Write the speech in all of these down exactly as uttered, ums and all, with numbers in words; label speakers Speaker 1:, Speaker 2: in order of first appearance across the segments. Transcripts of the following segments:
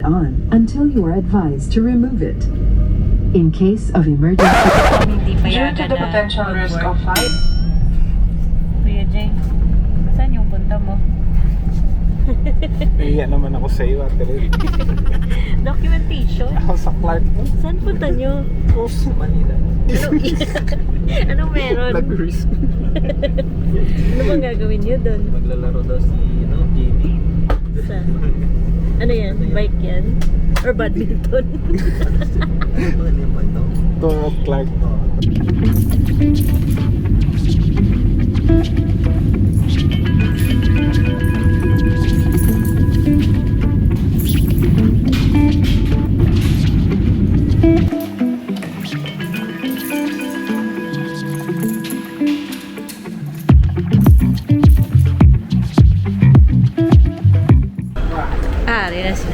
Speaker 1: on until you are advised to remove it. In case of emergency...
Speaker 2: Hindi pa
Speaker 3: Due to
Speaker 2: yata
Speaker 3: the
Speaker 2: na
Speaker 3: potential risk of fire.
Speaker 2: Kuya Jay, saan yung punta mo?
Speaker 4: Nahiya naman ako sa iyo, Ate Red.
Speaker 2: Documentation?
Speaker 4: Ako sa Clark.
Speaker 2: Saan punta nyo?
Speaker 4: Oh, sa Manila.
Speaker 2: Ano, anong meron?
Speaker 4: Nag-risk.
Speaker 2: Ano bang gagawin nyo doon?
Speaker 4: Maglalaro daw si, no, Jamie.
Speaker 2: Sa, ano yan? Bike yan? Or badminton?
Speaker 4: Ito, Clark.
Speaker 2: Ah, rin na siya.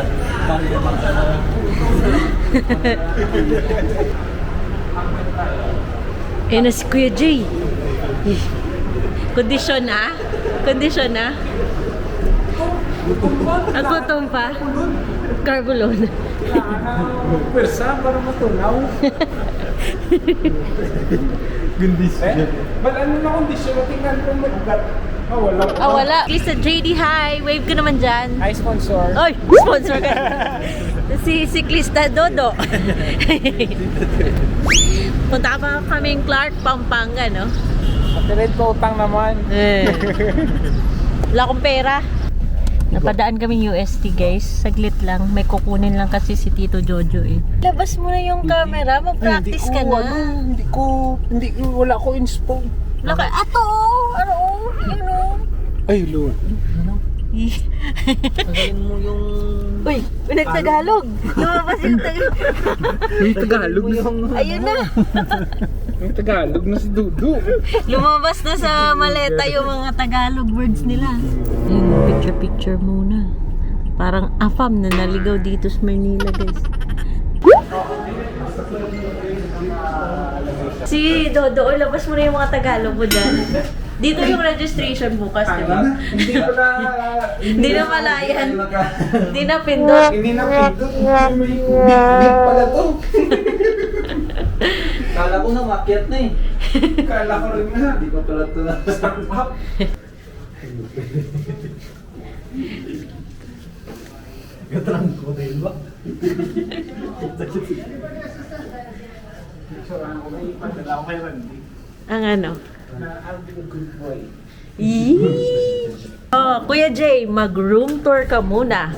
Speaker 2: Eh na si Kuya Jay. Kondisyon na? Kondisyon na? Ang gutom pa? Carbulon.
Speaker 4: Pwersa para matunaw. Kondisyon. Ba't ano na kondisyon? Tingnan ko mag-ugat. Ah, wala.
Speaker 2: Ah, wala. Please, sa J D, hi. Wave ka naman dyan.
Speaker 4: Hi, sponsor.
Speaker 2: Oy, sponsor ka. Si Siklista Dodo. Punta pa kaming Clark, Pampanga, no?
Speaker 4: Ate Red ko utang naman.
Speaker 2: Eh. Wala akong pera. Napadaan kaming U S T, guys. Saglit lang. May kukunin lang kasi si Tito Jojo, eh. Labas mo na yung camera. Mag-practice ka na.
Speaker 4: Ano, hindi ko, hindi ko, wala ko inspo.
Speaker 2: Wala ka. Ato! Ano? Yun, oh.
Speaker 4: Ay, Lord. Ano?
Speaker 3: Magaling mo yung...
Speaker 2: Uy, pinag-Tagalog. Lumabas yung Tagalog.
Speaker 4: Yung Tagalog na.
Speaker 2: Ayun na.
Speaker 4: Yung Tagalog na si Dudu.
Speaker 2: Lumabas na sa maleta yung mga Tagalog words nila. Ayun, picture-picture muna. Parang afam na naligaw dito sa Manila, guys. Si Dodo, oy, labas mo na yung mga Tagalog mo dyan. Dito yung registration bukas, di ba?
Speaker 4: Hindi ko na...
Speaker 2: Hindi na malayan. Hindi na pindot.
Speaker 4: Hindi na pindot. May big pala to.
Speaker 3: Kala ko na makyat na eh.
Speaker 4: Kala ko rin na.
Speaker 3: Hindi ko pala ito na.
Speaker 4: Start up.
Speaker 3: Gatrang ko na yun ba?
Speaker 4: Picturean ko may ipadala ko kay Randy.
Speaker 2: Ang ano?
Speaker 4: Na I'll be a good boy.
Speaker 2: Yee! Oh, Kuya Jay, mag-room tour ka muna.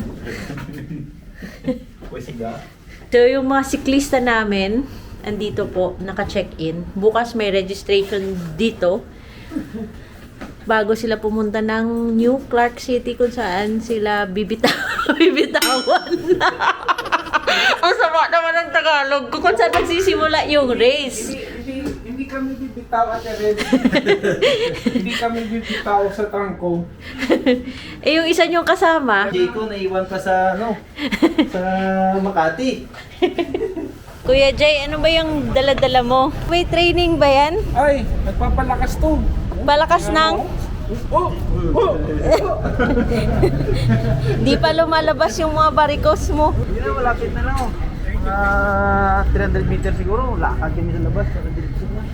Speaker 4: Pwes ga?
Speaker 2: So, yung mga siklista namin, andito po, naka-check-in. Bukas may registration dito. Bago sila pumunta ng New Clark City kung saan sila bibitaw bibitawan. Ang sama naman ng Tagalog ko kung saan magsisimula yung race.
Speaker 4: Hindi, hindi kami bibitaw at Red. Hindi kami bibitaw sa trangko.
Speaker 2: Eh, yung isa niyong kasama,
Speaker 3: Jay ko naiwan pa sa ano? Sa Makati.
Speaker 2: Kuya Jay, ano ba yung dala-dala mo? May training ba yan?
Speaker 4: Ay, nagpapalakas to.
Speaker 2: Balakas ng...
Speaker 4: Oh! Oh!
Speaker 2: Di pa lumalabas yung mga barikos mo.
Speaker 3: Hindi na, malapit na lang oh. Mga three hundred meters siguro. Lakad kami sa labas. Para direksyon na.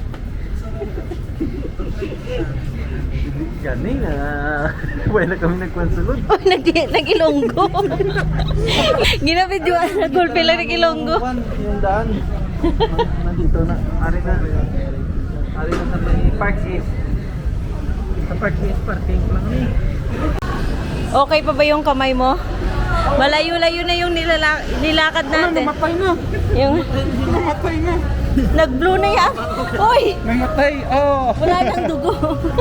Speaker 3: Gani na. Wala kami nagkonsulod.
Speaker 2: Oh, nag nag-ilonggo. Ginabidyoan na gulpi lang nag-ilonggo.
Speaker 3: Yung daan. Nandito na. Ari na. Ari na sa may Park East. Sa Park East parking lang ni.
Speaker 2: Okay pa ba yung kamay mo? Malayo-layo na yung nilala nilakad natin.
Speaker 4: Namatay na!
Speaker 2: Yung
Speaker 4: Namatay na!
Speaker 2: nag-blue na yan. Uy!
Speaker 4: Namatay! Oh!
Speaker 2: Wala nang dugo.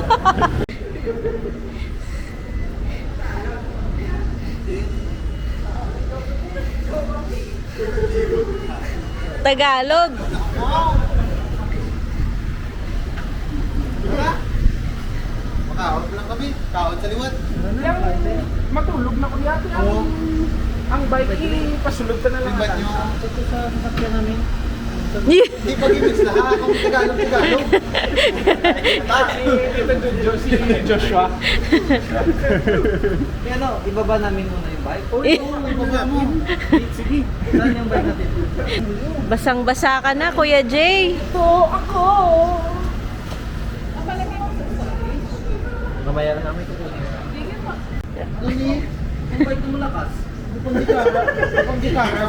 Speaker 2: Tagalog.
Speaker 3: Makaot lang kami. Kaot sa liwat.
Speaker 4: Matulog na ko yata. Ang, ang bike, eh, pasulog ka na lang.
Speaker 3: Ito sa sasakyan namin.
Speaker 4: Hindi pa gimis na ha. Kung Tagalog-Tagalog.
Speaker 3: Ah, si Tito Jojo, si Joshua.
Speaker 5: Kaya ano, ibaba namin muna yung bike.
Speaker 3: Oo, ibaba mo.
Speaker 5: Sige, saan yung bike natin?
Speaker 2: Basang-basa ka na, Kuya Jay.
Speaker 3: Mamaya na namin kukunin.
Speaker 5: Ano ni? Ang bike mo lakas.
Speaker 4: Kung gitara. Kung gitara.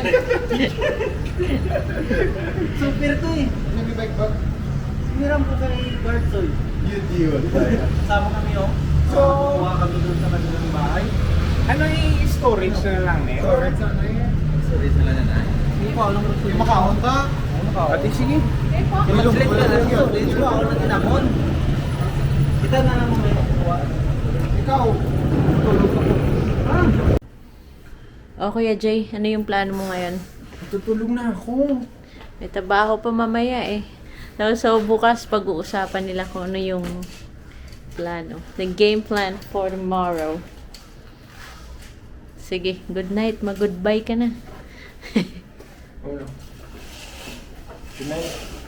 Speaker 5: Super to eh.
Speaker 4: Nag-bike bag.
Speaker 5: Siniram ko kay Gartsoy.
Speaker 4: Yun yun.
Speaker 5: Kasama kami oh.
Speaker 4: So,
Speaker 5: Kuha kami doon sa kanilang bahay.
Speaker 4: ano yung storage na lang eh? Storage na lang eh.
Speaker 5: Sorry sa lang na. Hindi ko alam kung
Speaker 4: Yung makaunta.
Speaker 3: Ate, sige.
Speaker 5: Yung mag-slip ka lang ito. Hindi ko ako nang tinamon. Kita na lang mo may makukuha.
Speaker 4: Ikaw.
Speaker 2: O, Kuya Jay, ano yung plano mo ngayon?
Speaker 4: Tutulog na ako.
Speaker 2: May trabaho pa mamaya eh. Tapos so, bukas pag-uusapan nila kung ano yung plano. The game plan for tomorrow. Sige, good night. Mag-goodbye ka na.
Speaker 4: Good night.